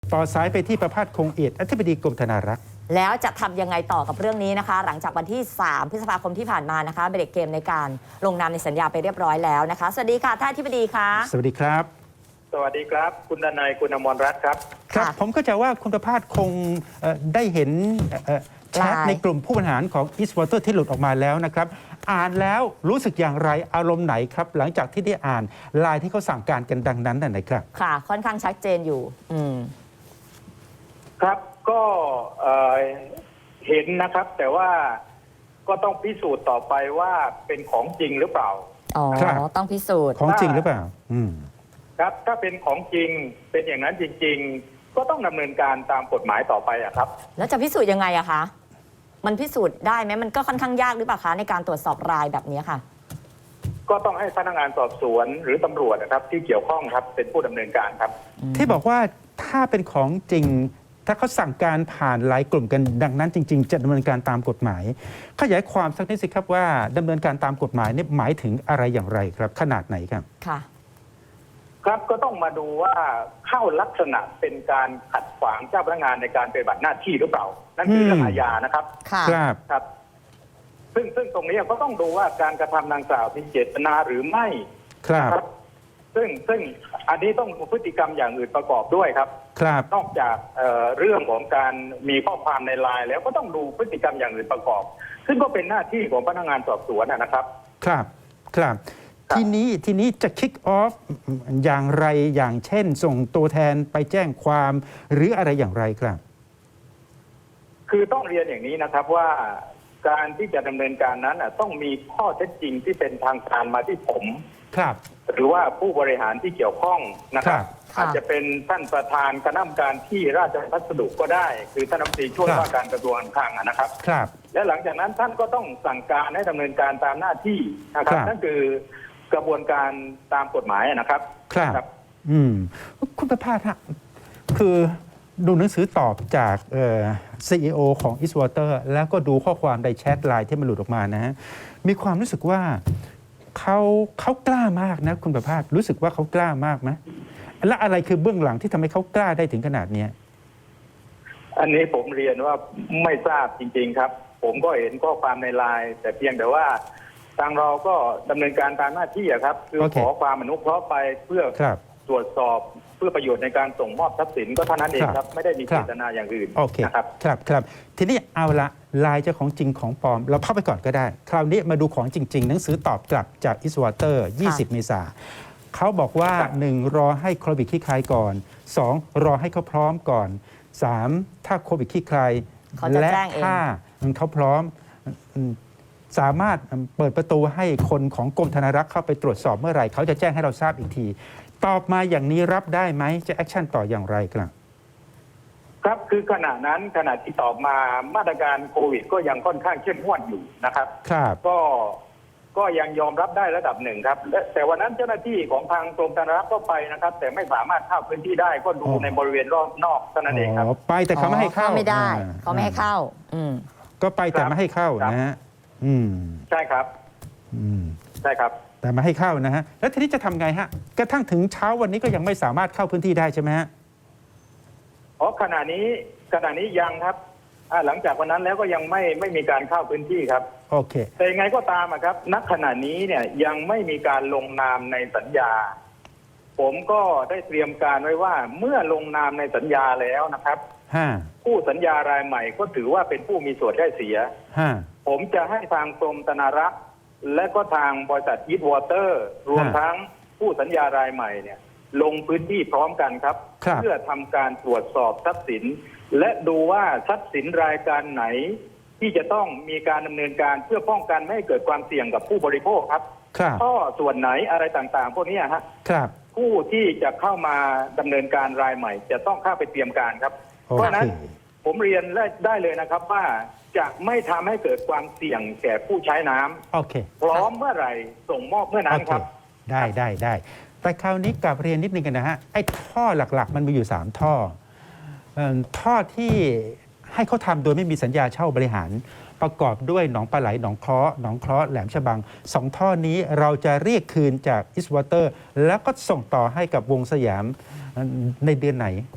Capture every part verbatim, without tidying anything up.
ต่อสายไปที่ประภาสคงเอียดอธิบดีกรมธนารักษ์แล้วจะทำยังไงต่อกับเรื่องนี้นะคะหลังจากวันที่ สาม พฤษภาคมที่ผ่านมานะคะเบรกเกมในการลงนามในสัญญาไปเรียบร้อยแล้วนะคะสวัสดีค่ะท่านอธิบดีค่ะสวัสดีครับสวัสดีครับคุณดนัยคุณอมรรัตน์ครับครับผมก็จะว่าคุณประภาสคงได้เห็นแชทในกลุ่มผู้บริหารของ Eastwater ที่หลุดออกมาแล้วนะครับอ่านแล้วรู้สึกอย่างไรอารมณ์ไหนครับหลังจากที่ได้อ่านไลน์ที่เขาสั่งการกันดังนั้นนั่นนะครับค่ะค่อนข้างชัดเจนอยู่อืมครับก็เอ่อเห็นนะครับแต่ว่าก็ต้องพิสูจน์ต่อไปว่าเป็นของจริงหรือเปล่าอ๋อต้องพิสูจน์ของจริงหรือเปล่าอืมครับถ้าเป็นของจริงเป็นอย่างนั้นจริงๆก็ต้องดำเนินการตามกฎหมายต่อไปอะครับแล้วจะพิสูจน์ยังไงอะคะมันพิสูจน์ได้ไหมมันก็ค่อนข้างยากหรือเปล่าคะในการตรวจสอบรายแบบนี้ค่ะก็ต้องให้พนักงานสอบสวนหรือตำรวจนะครับที่เกี่ยวข้องครับเป็นผู้ดำเนินการครับที่บอกว่าถ้าเป็นของจริงถ้าเขาสั่งการผ่านหลายกลุ่มกันดังนั้นจริงๆจะดำเนินการตามกฎหมายขยายความสักนิดสิครับว่าดำเนินการตามกฎหมายนี่หมายถึงอะไรอย่างไรครับขนาดไหนครับค่ะครับก็ต้องมาดูว่าเข้าลักษณะเป็นการขัดขวางเจ้าพนักงานในการปฏิบัติหน้าที่หรือเปล่านั่นคือเรื่องอาญานะครับครับครับซึ่งซึ่งตรงนี้ก็ต้องดูว่าการกระทำดังกล่าวมีเจตนาหรือไม่ครับซึ่งซึ่งอันนี้ต้องพฤติกรรมอย่างอื่นประกอบด้วยครับครับนอกจากเอ่อเรื่องของการมีข้อความในไลน์แล้วก็ต้องดูพฤติกรรมอย่างอื่นประกอบ ซึ่งก็เป็นหน้าที่ของพนักงานสอบสวนนะครับครับครับทีนี้ทีนี้จะ kick off อย่างไรอย่างเช่นส่งตัวแทนไปแจ้งความหรืออะไรอย่างไรครับคือต้องเรียนอย่างนี้นะครับว่าการที่จะดำเนินการนั้นต้องมีข้อเท็จจริงที่เป็นทางการมาที่ผมครับหรือว่าผู้บริหารที่เกี่ยวข้องนะครับอาจจะเป็นท่านประธานคณะกรรมการที่ราชพัสดุก็ได้คือท่านรัฐมนตรีช่วยว่าการกระทรวงการคลังนะครับครับและหลังจากนั้นท่านก็ต้องสั่งการให้ดำเนินการตามหน้าที่นะครับนั่นคือกระบวนการตามกฎหมายนะครับครับอืมคุณประภาสฮะคือดูหนังสือตอบจากเอ่อ ซี อี โอ ของ Eastwater แล้วก็ดูข้อความในแชทไลน์ที่มันหลุดออกมานะฮะมีความรู้สึกว่าเขาเขากล้ามากนะคุณประภาสรู้สึกว่าเขากล้ามากไหมและอะไรคือเบื้องหลังที่ทำให้เขากล้าได้ถึงขนาดนี้อันนี้ผมเรียนว่าไม่ทราบจริงๆครับผมก็เห็นข้อความในไลน์แต่เพียงแต่ว่าทางเราก็ดำเนินการตามหน้าที่ครับคือขอความอนุเคราะห์ไปเพื่อตรวจสอบเพื่อประโยชน์ในการส่งมอบทรัพย์สินก็เท่านั้นเองครับไม่ได้มีเจตนาอย่างอื่นนะครับครับครับทีนี้เอาละลายเจ้าของจริงของปลอมเราเข้าไปก่อนก็ได้คราวนี้มาดูของจริงๆหนังสือตอบกลับจาก Eastwater ยี่สิบ เมษายนเขาบอกว่าหนึ่งรอให้โควิดคลี่คลายก่อนสองรอให้เขาพร้อมก่อนสามถ้าโควิดคลี่คลายและถ้าเขาพร้อมสามารถเปิดประตูให้คนของกรมธนารักษ์เข้าไปตรวจสอบเมื่อไหร่เขาจะแจ้งให้เราทราบอีกทีตอบมาอย่างนี้รับได้ไหมจะแอคชั่นต่ออย่างไรครับครับคือขณะนั้นขณะที่ตอบมามาตรการโควิดก็ยังค่อนข้างเข้มงวดอยู่นะครับครับก็ก็ยังยอมรับได้ระดับหนึ่งครับแต่วันนั้นเจ้าหน้าที่ของทางกรมธนารักษ์ก็ไปนะครับแต่ไม่สามารถเข้าพื้นที่ได้ก็ดูในบริเวณรอบนอกเท่านั้นเองครับไปแต่เขาไม่ให้เข้าไม่ได้เขาไม่ให้เข้าอืมก็ไปแต่ไม่ให้เข้านะฮะอืมใช่ครับอืมใช่ครับแต่มาให้เข้านะฮะแล้วทีนี้จะทำไงฮะกระทั่งถึงเช้าวันนี้ก็ยังไม่สามารถเข้าพื้นที่ได้ใช่ไหมฮะอ๋อขณะนี้ขณะนี้ยังครับหลังจากวันนั้นแล้วก็ยังไม่ไม่มีการเข้าพื้นที่ครับโอเคแต่ยังไงก็ตามครับณขณะนี้เนี่ยยังไม่มีการลงนามในสัญญาผมก็ได้เตรียมการไว้ว่าเมื่อลงนามในสัญญาแล้วนะครับผู้สัญญารายใหม่ก็ถือว่าเป็นผู้มีส่วนได้เสียผมจะให้ทางกรมธนารักษ์และก็ทางบริษัท Eastwater รวมทั้งผู้สัญญารายใหม่เนี่ยลงพื้นที่พร้อมกันครับเพื่อทำการตรวจสอบทรัพย์สินและดูว่าทรัพย์สินรายการไหนที่จะต้องมีการดำเนินการเพื่อป้องกันไม่ให้เกิดความเสี่ยงกับผู้บริโภคครับข้อส่วนไหนอะไรต่างๆพวกนี้ฮะผู้ที่จะเข้ามาดำเนินการรายใหม่จะต้องเข้าไปเตรียมการครับเพราะฉะนั้นผมเรียนได้เลยนะครับว่าจะไม่ทำให้เกิดความเสี่ยงแก่ผู้ใช้น้ำโอเคพร้อมเมื่อไหร่ส่งมอบเมื่อนั้นครับได้ได้ได้แต่คราวนี้กลับเรียนนิดนึงกันนะฮะไอ้ท่อหลักๆมันมีอยู่สามท่อท่อที่ให้เขาทำโดยไม่มีสัญญาเช่าบริหารประกอบด้วยหนองปลาไหลหนองเคราะห์หนองเคราะห์แหลมฉบังสองท่อนี้เราจะเรียกคืนจาก Eastwater แล้วก็ส่งต่อให้กับวงสยามในเดือนไหน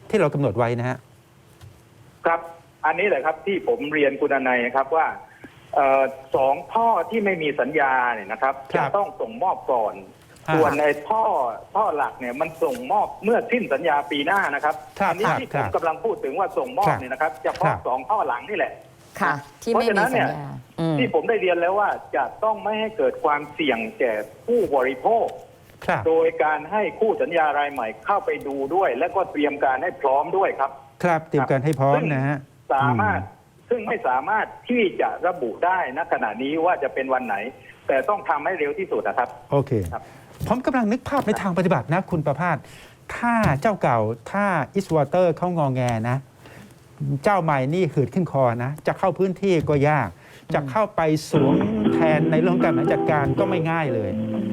ที่เรากำหนดไว้นะฮะครับ อันนี้แหละครับที่ผมเรียนคุณอนายครับว่าเอ่อสองท่อที่ไม่มีสัญญาเนี่ยนะครับครัจะบต้องส่งมอบก่อนอ่าส่วนในท่อท่อหลักเนี่ยมันส่งมอบเมื่อสิ้นสัญญาปีหน้านะครับครับอันี้ครับที่คผรัมบกำลังพูดถึงว่าส่งมอครับ บเนี่ยนะครับเฉครัพาะบสองท่อหลังนี่แหละค่ะ ที่ไม่มีสัญญาอืมที่ผมได้เรียนแล้วว่าจะต้องไม่ให้เกิดความเสี่ยงแก่ผู้บริโภคครับโดยการให้คู่สัญญารายใหม่เข้าไปดูด้วย และก็เตรียมการให้พร้อมด้วยครับครับเตรียมการให้พร้อมนะฮะสามารถซึ่งไม่สามารถที่จะระบุได้ณขณะนี้ว่าจะเป็นวันไหน แต่ต้องทำให้เร็วที่สุดนะครับโอเคครับผมกำลังนึกภาพในทางปฏิบัตินะคุณประภาสถ้าเจ้าเก่าถ้าอิสวอเตอร์เขางอแงนะ เจ้าใหม่นี่หืดขึ้นคอนะ จะเข้าพื้นที่ก็ยาก จะเข้าไปสวมแทนในเรื่องการบริหารจัดการก็ไม่ง่ายเลย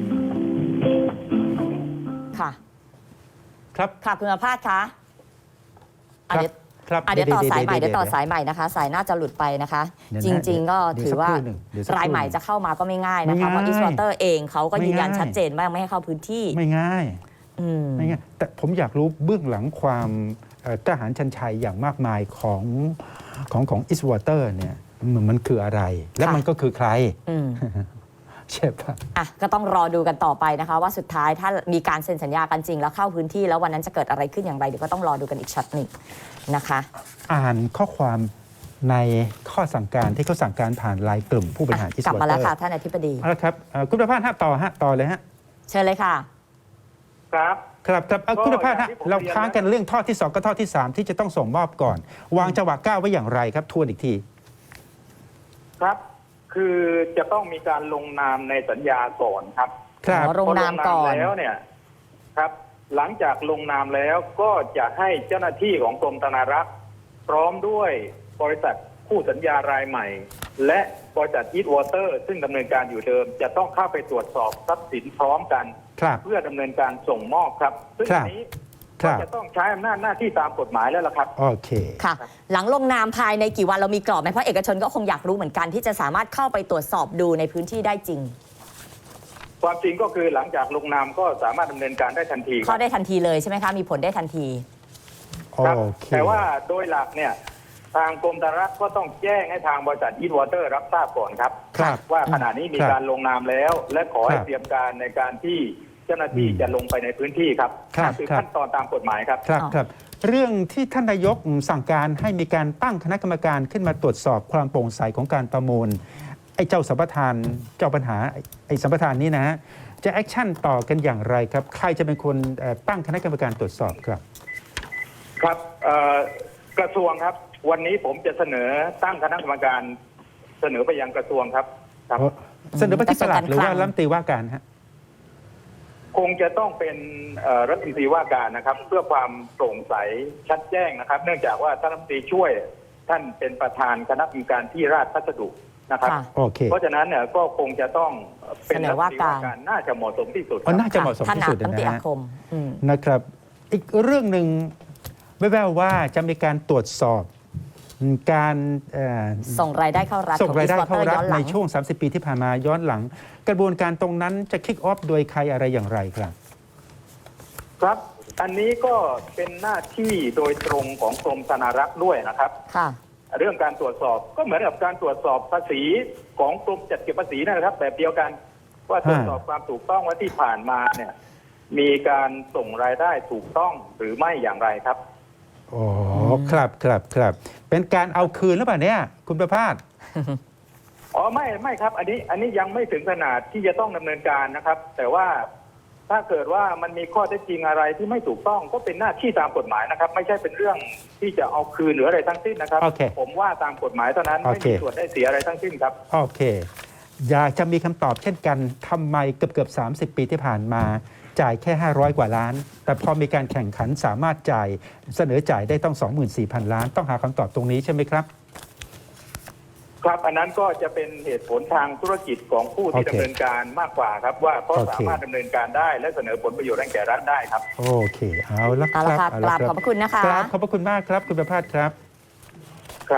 ค่ะครับค่ะคุณประภาสคะอ่ะครับเดี๋ยวครับอ่ะเดี๋ยวต่อสายใหม่เดี๋เดี๋ยวยวต่อสายใหม่นะคะ สายน่าจะหลุดไปนะคะเดี๋ยวจนะริง ๆ ก็เดี๋ยวถือว่าสักครู่หนึ่งเดี๋ยวสักครู่รายใหม่จะเข้ามาก็ไม่ง่ายนะคะไม่ง่ายเพราะอิสวอเตอร์เองเขาก็ไม่ยืนยันง่ายชัดเจนว่าไม่ให้เข้าพื้นที่ไม่ง่ายอืมไม่ง่ายแต่ผมอยากรู้เบื้องหลังความเอ่อกล้าหาญชันชัยอย่างมากมายของของของอิสวอเตอร์เนี่ยมันมันคืออะไร และค่ะมันก็คือใครอืมใช่ปะอ่ะก็ต้องรอดูกันต่อไปนะคะ ว่าสุดท้ายถ้ามีการเซ็นสัญญากันจริงแล้วเข้าพื้นที่แล้ววันนั้นจะเกิดอะไรขึ้นอย่างไรเดี๋ยวก็ต้องรอดูกันอีกช็อตหนึ่งนะคะอ่านข้อความในข้อสั่งการที่เขาสั่งการผ่านไลน์กลุ่มผู้บริหารอิสกลับวอมาเตแล้อวร์ค่ะท่านอธิบดีเอาละครับเอ่อคุณประภาสฮะต่อฮะต่อเลยฮะเชิญเลยค่ะครับครับครับเอ่อก็คุณประภาสอย่าฮะงที่ผมเราเรียนค้างกันเรื่องท่อที่สองกับท่อที่สามที่จะต้องส่งมอบก่อน วางจังหวะก้าวไว้อย่างไรครับทวนอีกทีครับ คือจะต้องมีการลงนามในสัญญาก่อนครับครับอ๋อ ลงนามก่อนพลงแล้วเนี่ยครับ หลังจากลงนามแล้วก็จะให้เจ้าหน้าที่ของกรมธนารักษ์พร้อมด้วยบริษัทคู่สัญญารายใหม่ และบริษัทอีทวอเตอร์ซึ่งดำเนินการอยู่เดิม จะต้องเข้าไปตรวจสอบทรัพย์สินพร้อมกันครับเพื่อดำเนินการส่งมอบครับ ซึ่งครัอับนนี้คก็รับจะต้องใช้อำนาจหน้าที่ตามกฎหมายแล้วล่ะครับโอเคค่ะ หลังลงนามภายในกี่วันเรามีกรอบไหมเพราะเอกชนก็คงอยากรู้เหมือนกันที่จะสามารถเข้าไปตรวจสอบดูในพื้นที่ได้จริงความจริงก็คือหลังจากลงนามก็สามารถดำเนินการได้ทันทีคเข้ารับได้ทันทีเลยใช่ไหมคะ มีผลได้ทันทีโอครับเคแต่ว่าโดยหลักเนี่ยทางกรมธนารักษ์ก็ต้องแจ้งให้ทางบริษัทอีทวอเตอร์รับทราบก่อนครับครับว่าขณะนี้มีครับการลงนามแล้ว และขอให้ครับเตรียมการในการที่เจ้าหน้าที่อืมจะลงไปในพื้นที่ครับครับคือครับขั้นตอนตามกฎหมายครับครับอ๋อครับเรื่องที่ท่านนายกสั่งการให้มีการตั้งคณะกรรมการขึ้นมาตรวจสอบความโปร่งใสของการประมูลไอ้เจ้าสัมปทานเจ้าปัญหาไอ้ไอ้สัมปทานนี้นะฮะจะแอคชั่นต่อกันอย่างไรครับ ใครจะเป็นคนเอ่อตั้งคณะกรรมการตรวจสอบครับครับเอ่อกระทรวงครับ วันนี้ผมจะเสนอตั้งคณะกรรมการเสนอไปยังกระทรวงครับครับเสนอไปที่ปลัดหรือว่ากระทรวงการคลังรัฐมนตรีว่าการฮะคงจะต้องเป็นเอ่อรัฐมนตรีว่าการนะครับ เพื่อความโปร่งใสชัดแจ้งนะครับ เนื่องจากว่าท่านรัฐมนตรีช่วยท่านเป็นประธานคณะกรรมการที่ราชพัสดุนะครับค่ะโอเคเพราะฉะนั้นเนี่ยก็คงจะต้องเป็นเสนรัอฐมว่านตรีการว่าการน่าจะเหมาะสมที่สุดคอ๋อรับน่าจะเหมาะสมที่สุดถนัดนะตั้งแต่อาฮะคมอืมนะครับ อีกเรื่องหนึ่งแว่วๆว่าจะมีการตรวจสอบการเอ่อส่งรายได้เข้ารัฐส่งรายได้ของเข้า Eastwater รัฐย้อนหในลังช่วง สามสิบ ปีที่ผ่านมาย้อนหลัง กระบวนการตรงนั้นจะคิกออฟโดยใครอะไรอย่างไรครับครับ อันนี้ก็เป็นหน้าที่โดยตรงของกรมธนารักษ์ด้วยนะครับค่ะเรื่องการตรวจสอบก็เหมือนกับการตรวจสอบภาษีของกรมจัดเก็บภาษีนะครับ แบบเดียวกันว่าตรวจสอบความถูกต้องว่าที่ผ่านมาเนี่ยมีการส่งรายได้ถูกต้องหรือไม่อย่างไรครับอ๋อครับครับครับเป็นการเอาคืนหรือเปล่าเนี่ยคุณประภาสอ๋อไม่ไม่ครับ อันนี้อันนี้ยังไม่ถึงขนาดที่จะต้องดำเนินการนะครับ แต่ว่าถ้าเกิดว่ามันมีข้อเท็จจริงอะไรที่ไม่ถูกต้องก็เป็นหน้าที่ตามกฎหมายนะครับ ไม่ใช่เป็นเรื่องที่จะเอาคืนหรืออะไรทั้งสิ้นนะครับโอเคผมว่าตามกฎหมายเท่านั้นโอไม่เคมีส่วนได้เสียอะไรทั้งสิ้นครับโอเค อยากจะมีคำตอบเช่นกันทำไมเกือบเกือบสามสิบ ปีที่ผ่านมา จ่ายแค่ ห้าร้อย กว่าล้าน แต่พอมีการแข่งขันสามารถจ่ายเสนอจ่ายได้ต้อง สองหมื่นสี่พัน ล้าน ต้องหาคำตอบตรงนี้ใช่ไหมครับครับอันนั้นก็จะเป็นเหตุผลทางธุรกิจของผู้ที่โอเคดำเนินการมากกว่าครับ ว่าเขาโอเคสามารถดำเนินการได้ และเสนอผลประโยชน์ให้แก่รัฐได้ครับโอเค เอาละคเอารัละบค่ะเกราบขอบพระคุณนะคะกราบขอบพระคุณมากครับ คุณประภาสครับครับ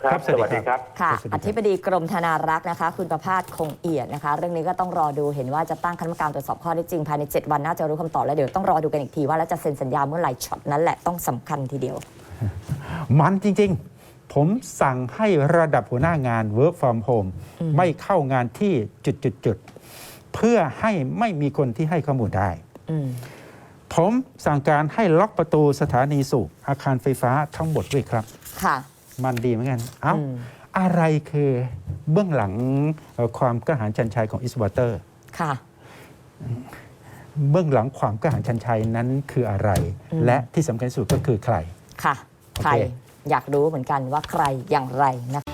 ครับสวัสดีสวัสดีครับค่ะสวัสดีครับอธิบดีกรมธนารักษ์นะคะ คุณประภาสคงเอียดนะคะ เรื่องนี้ก็ต้องรอดูเห็นว่าจะตั้งคณะกรรมการตรวจสอบข้อเท็จจริงภายในเจ็ดวันน่าจะรู้คำตอบแล้วเดี๋ยวต้องรอดูกันอีกทีว่าแล้วจะเซ็นสัญญาเมื่อไหร่ช็อตนั้นแหละต้องสำคัญทีเดียวมันจริงๆ ผมสั่งให้ระดับหัวหน้างาน work from home อืมไม่เข้างานที่จุดๆๆเพื่อให้ไม่มีคนที่ให้ข้อมูลได้อืมผมสั่งการให้ล็อกประตูสถานีสูบอาคารไฟฟ้าทั้งหมดด้วยครับค่ะมันดีเหมือนกัน เอ้าอืมอะไรคือเบื้องหลังเอ่อความกระหายชันชัยของอิสวอเตอร์ค่ะเบื้องหลังความกระหายชันชัยนั้นคืออะไรอืมและที่สำคัญที่สุดก็คือใครค่ะโอเคใครอยากรู้เหมือนกันว่าใครอย่างไรนะคะ